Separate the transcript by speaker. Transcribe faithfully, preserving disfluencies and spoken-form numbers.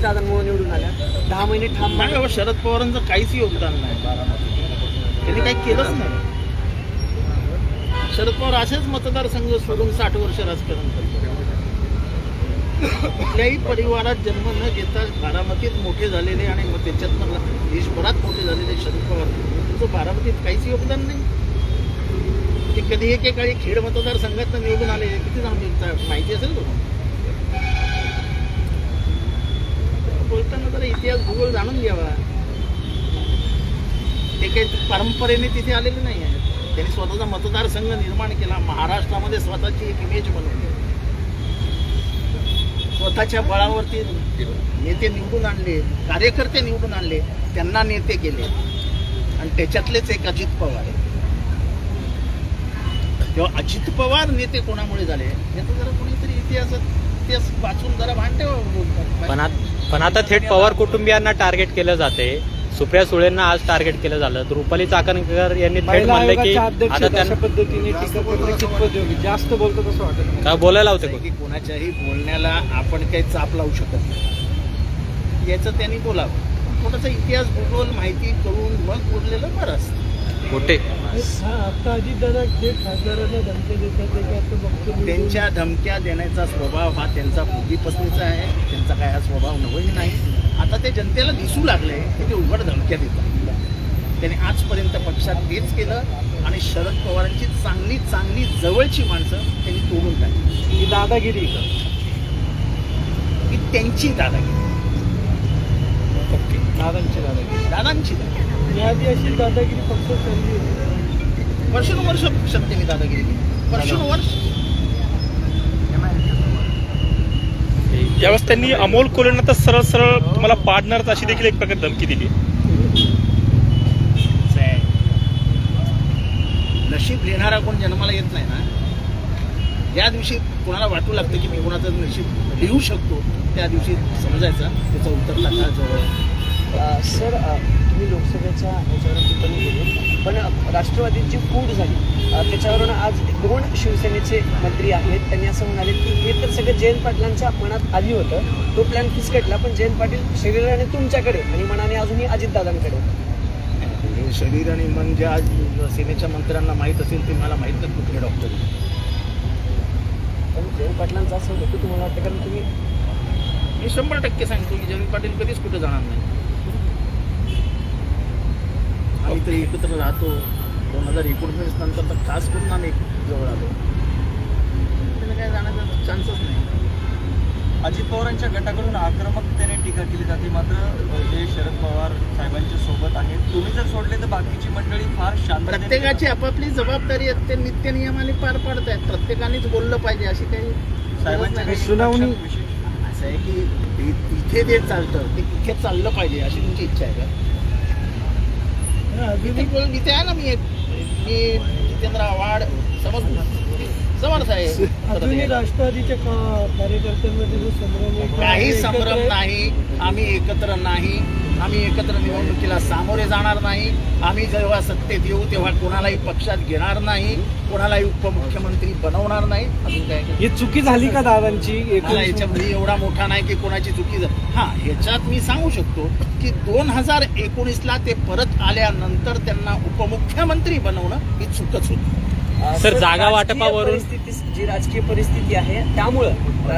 Speaker 1: दादांमुळे निवडून आल्या, दहा महिने ठाम.
Speaker 2: नाही बाबा, शरद पवारांचं काहीच योगदान नाही बारामतीत, त्यांनी काही केलंच नाही. शरद पवार असेच मतदारसंघ सोडून साठ वर्ष राजकारण करतात. कुठल्याही परिवारात जन्म न घेता बारामतीत मोठे झालेले आणि मग त्याच्यातनं देशभरात मोठे झालेले शरद पवार, त्यांचं बारामतीत काहीच योगदान नाही. ते कधी एकेकाळी खेड मतदारसंघात निवडून आले, किती जाणून माहिती असेल तुम्हाला. बोलताना जरा इतिहास भूगोल जाणून घ्यावा. ते काही परंपरेने तिथे आलेले नाही आहे. त्यांनी स्वतःचा मतदारसंघ निर्माण केला, महाराष्ट्रामध्ये स्वतःची एक इमेज बनवली, स्वतःच्या बळावरती नेते निवडून आणले, कार्यकर्ते निवडून आणले, त्यांना नेते केले. आणि त्याच्यातलेच एक अजित पवार आहे. तेव्हा अजित पवार नेते कोणामुळे झाले याचा जरा कोणीतरी इतिहासात इतिहास वाचून जरा भान ठेवा.
Speaker 3: पण आता पण आता थेट पवार कुटुंबियांना टार्गेट केलं जाते. सुप्रिया सुळेंना आज टार्गेट केलं झालं. तर रुपाली चाकणकर यांनी थेट म्हणले की आता त्यांना
Speaker 1: पद्धतीने टीका करणं कितपत योग्य, जास्त बोलतो कसं वाटत
Speaker 3: काय बोलायला होते
Speaker 2: की कोणाच्याही बोलण्याला आपण काही चाप लावू शकत नाही. याचं त्यांनी बोलावं. थोडासा इतिहास भूगोल माहिती करून मग बोललेलं बरं असतं.
Speaker 3: मोठे
Speaker 1: आता अजितदादा थेट खासदारांना धमक्या देतात,
Speaker 2: त्यांच्या धमक्या देण्याचा स्वभाव हा त्यांचा पूर्वीपासूनचा आहे. त्यांचा काय हा स्वभाव नवीन नाही. आता ते जनतेला दिसू लागले की ते उघड धमक्या देतात. त्यांनी आजपर्यंत पक्षात तेच केलं आणि शरद पवारांची चांगली चांगली जवळची माणसं त्यांनी तोडून टाकली.
Speaker 1: ही दादागिरी
Speaker 2: ही त्यांची दादागिरी,
Speaker 1: दादांची दादागिरी
Speaker 2: दादांची दादागिरी.
Speaker 1: याआधी अशी दादागिरी फक्त चालली होती.
Speaker 2: वर्षानुवर्ष पक्षात त्यांनी दादागिरी केली, वर्षानुवर्ष.
Speaker 4: यावेळेस त्यांनी अमोल कोल्हेंना तर सरळ सरळ तुम्हाला पाडणार अशी देखील एक प्रकारे धमकी दिली.
Speaker 2: नशीब लिहिणारा कोण जन्माला येत नाही ना. ज्या दिवशी कोणाला वाटू लागतं की मी कोणाचं नशीब लिहू शकतो, त्या दिवशी समजायचं त्याचं उत्तर टाका जवळ.
Speaker 1: सर, तुम्ही लोकसभेच्या ह्याच्यावर टिप्पणी केली, पण राष्ट्रवादीची फूट झाली. त्याच्यावरून आज दोन शिवसेनेचे मंत्री आहेत, त्यांनी असं म्हणाले की हे तर सगळं जयंत पाटलांच्या मनात आली होतं, तो प्लॅन फिसकटला, पण जयंत पाटील शरीराने तुमच्याकडे आणि मनाने अजूनही अजितदादांकडे.
Speaker 2: हे शरीर आणि मन ज्या सेनेच्या मंत्र्यांना माहीत असेल ते मला माहीत नाही कुठले डॉक्टर.
Speaker 1: पण जयंत पाटलांचं असं होतं तुम्हाला वाटतं, कारण तुम्ही
Speaker 2: मी शंभर टक्के सांगतो की जयंत पाटील कधीच कुठे जाणार नाही. आम्ही तरी एकत्र राहतो. दोन हजार एकोणवीस नंतर तर खास करून आम्ही जवळ आलो. त्याला काय जाण्याचा चान्सच नाही.
Speaker 5: अजित पवारांच्या गटाकडून आक्रमकतेने टीका केली जाते, मात्र जे शरद पवार साहेबांच्या सोबत आहेत, तुम्ही जर सोडले तर बाकीची मंडळी फार शांत.
Speaker 2: प्रत्येकाची आपापली जबाबदारी आहे, ते नित्य नियमाने पार पाडत आहेत. प्रत्येकानेच बोललं पाहिजे अशी काही
Speaker 5: साहेबांच्या
Speaker 1: सुनावणी
Speaker 2: असं आहे की इथे जे चालतं ते इथे चाललं पाहिजे अशी तुमची इच्छा आहे का? इथे बोल इथे आहे ना. मी मी जितेंद्र आव्हाड समज समर्थ आहे.
Speaker 1: राष्ट्रवादीच्या कार्यकर्त्यांमध्ये जो संभ्रम आहे,
Speaker 2: काही संभ्रम नाही. आम्ही एकत्र नाही. आम्ही एकत्र निवडणुकीला सामोरे जाणार नाही. आम्ही जेव्हा सत्तेत येऊ तेव्हा कोणालाही पक्षात घेणार नाही, कोणालाही उपमुख्यमंत्री बनवणार नाही. अजून काय
Speaker 1: ही चुकी झाली का दादांची?
Speaker 2: मला याच्यामध्ये एवढा मोठा नाही की कोणाची चुकी झाली. हा, ह्याच्यात मी सांगू शकतो की दोन हजार एकोणीसला ते परत आल्यानंतर त्यांना उपमुख्यमंत्री बनवणं ही चूकच होती.
Speaker 3: सर, जागा वाटपावरून
Speaker 1: परिस्थिती जी राजकीय परिस्थिती आहे त्यामुळं